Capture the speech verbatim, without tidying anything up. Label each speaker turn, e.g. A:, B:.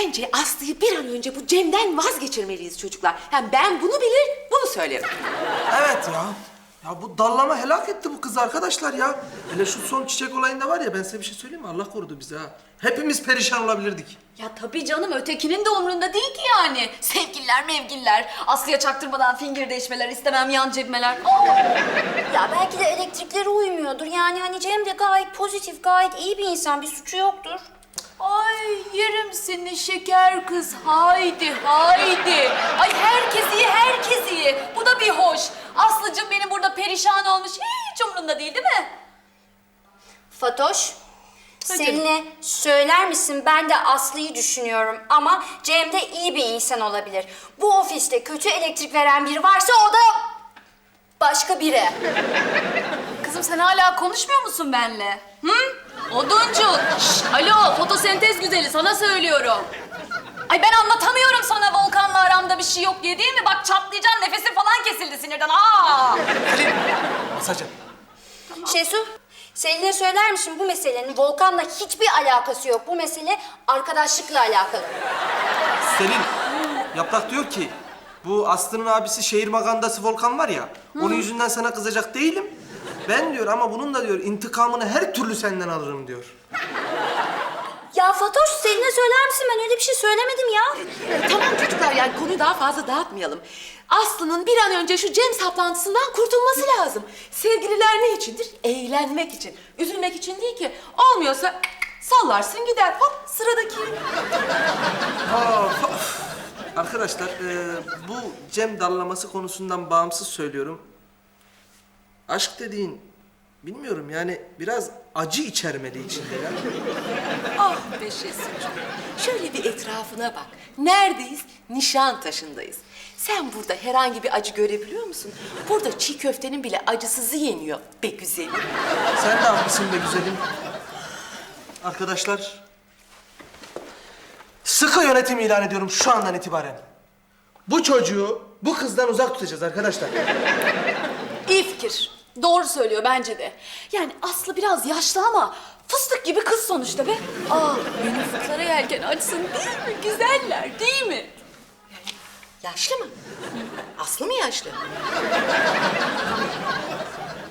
A: Bence Aslı'yı bir an önce bu Cem'den vazgeçirmeliyiz çocuklar. Yani ben bunu bilir, bunu söylerim.
B: Evet ya. Ya bu dallama helak etti bu kızı arkadaşlar ya. Hele şu son çiçek olayında var ya, ben size bir şey söyleyeyim mi? Allah korudu bizi ha. Hepimiz perişan olabilirdik.
C: Ya tabii canım, ötekinin de umrunda değil ki yani. Sevgililer mevgililer, Aslı'ya çaktırmadan fingir değişmeler, istemem yan cebmeler.
D: Ya belki de elektrikleri uymuyordur. Yani hani Cem de gayet pozitif, gayet iyi bir insan. Bir suçu yoktur.
C: Ay yerim seni şeker kız, haydi haydi. Ay herkes iyi, herkes iyi. Bu da bir hoş. Aslıcığım benim burada perişan olmuş, hiç umrunda değil değil mi?
D: Fatoş, Selin'e söyler misin? Ben de Aslı'yı düşünüyorum ama Cem de iyi bir insan olabilir. Bu ofiste kötü elektrik veren biri varsa o da başka biri.
C: Kızım sen hala konuşmuyor musun benimle? Hı? Oduncu. Şşt, alo fotosentez güzeli, sana söylüyorum. Ay ben anlatamıyorum sana Volkan'la aramda bir şey yok diye, değil mi? Bak çatlayacaksın, nefesin falan kesildi sinirden. Aa!
B: Masacım.
D: Şesu, Selin'e söyler misin? Bu meselenin Volkan'la hiçbir alakası yok. Bu mesele arkadaşlıkla alakalı.
B: Selin, Yaprak diyor ki bu Aslı'nın abisi şehir magandası Volkan var ya, onun yüzünden sana kızacak değilim. Ben diyor ama bunun da diyor intikamını her türlü senden alırım diyor.
D: Ya Fatoş, Selin'e söyler misin? Ben öyle bir şey söylemedim ya.
A: E, tamam çocuklar, yani konuyu daha fazla dağıtmayalım. Aslı'nın bir an önce şu Cem saplantısından kurtulması lazım. Sevgililer ne içindir? Eğlenmek için. Üzülmek için değil ki. Olmuyorsa sallarsın gider. Hop sıradaki.
B: Aa, of. Arkadaşlar e, bu Cem dallaması konusundan bağımsız söylüyorum. Aşk dediğin bilmiyorum yani biraz acı içermeli içinde ya.
A: Ah be Şesucuğum. Şöyle bir etrafına bak. Neredeyiz? Nişantaşı'ndayız. Sen burada herhangi bir acı görebiliyor musun? Burada çiğ köftenin bile acısızı yeniyor be güzelim.
B: Sen de haklısın be güzelim. Arkadaşlar, sıkı yönetim ilan ediyorum şu andan itibaren. Bu çocuğu bu kızdan uzak tutacağız arkadaşlar.
C: İyi fikir. Doğru söylüyor bence de. Yani Aslı biraz yaşlı ama fıstık gibi kız sonuçta be. Aa, benim fıklara yelken açsın değil mi? Güzeller değil mi?
A: Yaşlı mı? Aslı mı yaşlı?